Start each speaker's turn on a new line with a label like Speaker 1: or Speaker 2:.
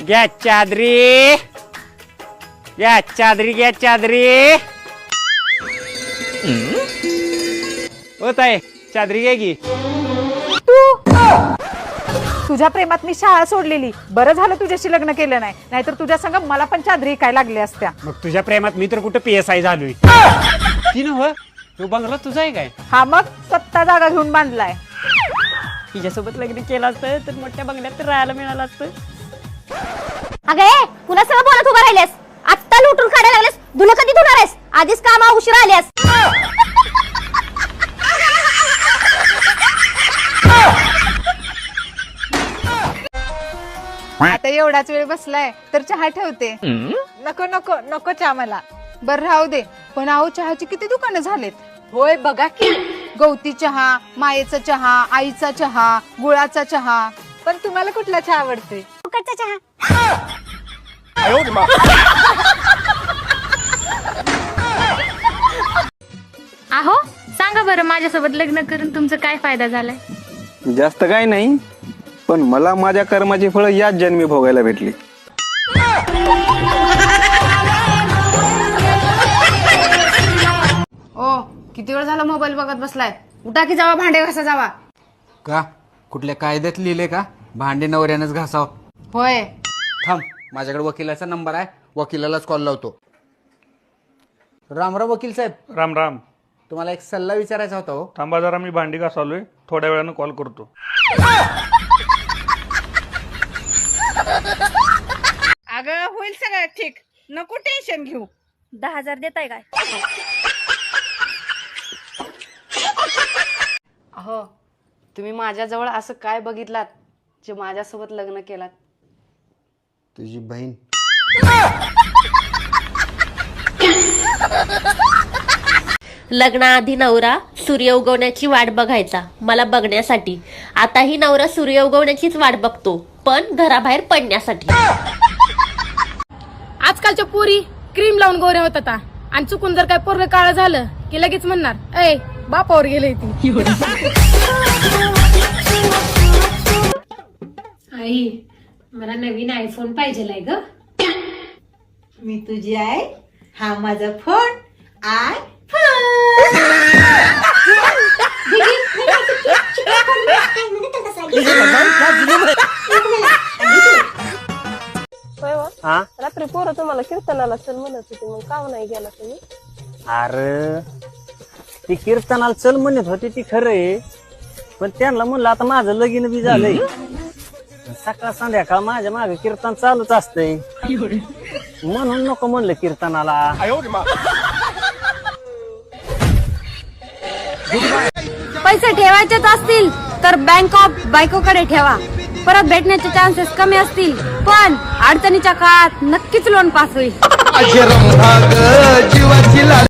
Speaker 1: घ्या चादरी, घ्या चादरी, घ्या चादरी. होत आहे चादरी घ्या की.
Speaker 2: तुझ्या प्रेमात मी शाळा सोडलेली. बरं झालं तुझ्याशी लग्न केलं नाही, नाहीतर तुझ्या संग मला पण चादरी काय लागली असत्या.
Speaker 1: मग तुझ्या प्रेमात मी तर कुठं PSI झालोय. ती नव्ह तू बंगला तुझा आहे काय?
Speaker 2: हा मग स्वतः जागा घेऊन बांधलाय.
Speaker 3: तिच्यासोबत लग्न केलं असतं तर मोठ्या बंगल्यात राहायला मिळालं असतं.
Speaker 4: अगं पुन्हा सगळं बोलत उभा राहिलेस. आत्ता लुटून काढायला लागलेस. धुणं कधी धुणार आहेस? आधीच कामा उशिरा आल्यास.
Speaker 2: आता एवढाच वेळ बसलाय तर चहा ठेवते. नको नको नको चहा मला. बर राहू दे. पण अहो चहाची किती दुकानं झालेत. होय बघा की. गवती चहा, मायेचा चहा, आईचा चहा, गुळाचा चहा. पण तुम्हाला कुठला चहा आवडते?
Speaker 4: फुकटचा चहा.
Speaker 5: आहो सांगा बरं, माझ्यासोबत लग्न करून तुमचा काय फायदा झालाय?
Speaker 6: जास्त काय नाही, पण मला माझ्या कर्माची फळं याच जन्मी भोगायला भेटली.
Speaker 7: ओ किती वेळ झाला मोबाईल बघत बसलाय? उठा की जावा, भांडे घासा जावा.
Speaker 8: का कुठल्या कायद्यात लिहिले का भांडे नवऱ्यानंच घासाव?
Speaker 7: होय.
Speaker 8: थांब, माझ्याकडे वकिलाचा नंबर आहे, वकिलालाच कॉल लावतो. रामराव वकील साहेब.
Speaker 9: राम राम.
Speaker 8: तुम्हाला एक सल्ला विचारायचा होता हो.
Speaker 9: थांबा जरा, मी भांडी घासालोय, थोड्या वेळानं कॉल करतो.
Speaker 2: अगं होईल सगळं ठीक, नको टेन्शन घेऊ.
Speaker 3: 10,000 देताय काय?
Speaker 7: अहो तुम्ही माझ्याजवळ असं काय बघितलात जे माझ्यासोबत लग्न केलात?
Speaker 8: तुझी बहीण.
Speaker 4: लग्नाआधी नवरा सूर्य उगवण्याची वाट बघायचा मला बघण्यासाठी. आताही नवरा सूर्य उगवण्याचीच वाट बघतो, पण घराबाहेर पडण्यासाठी.
Speaker 5: आजकालच्या पोरी क्रीम लावून गोऱ्या होत आता, आणि चुकून जर काय पोरग काळं झालं की लगेच म्हणणार ए बापावर गेले ती.
Speaker 10: आई मला नवीन आयफोन पाहिजे ग.
Speaker 11: मी तुझी आहे, हा माझा फोन आय
Speaker 3: रात्री पोरं तुम्हाला कीर्तनाला चल म्हणत होते, मग का नाही गेला तुम्ही?
Speaker 1: अरे ती कीर्तनाला चल म्हणत होती ती खरं आहे, पण त्यांना म्हणलं आता माझं लगीन बी झालंय. सकाळ संध्याकाळ माझ्या मागे कीर्तन चालूच असतंय, म्हणून नको म्हणलं कीर्तनाला.
Speaker 5: पैसे ठेवायचेच असतील तर बँक ऑफ बायकोकडे ठेवा. परत भेटण्याचे चान्सेस कमी असतील, पण अडचणीच्या काळात नक्कीच लोन पास होईल.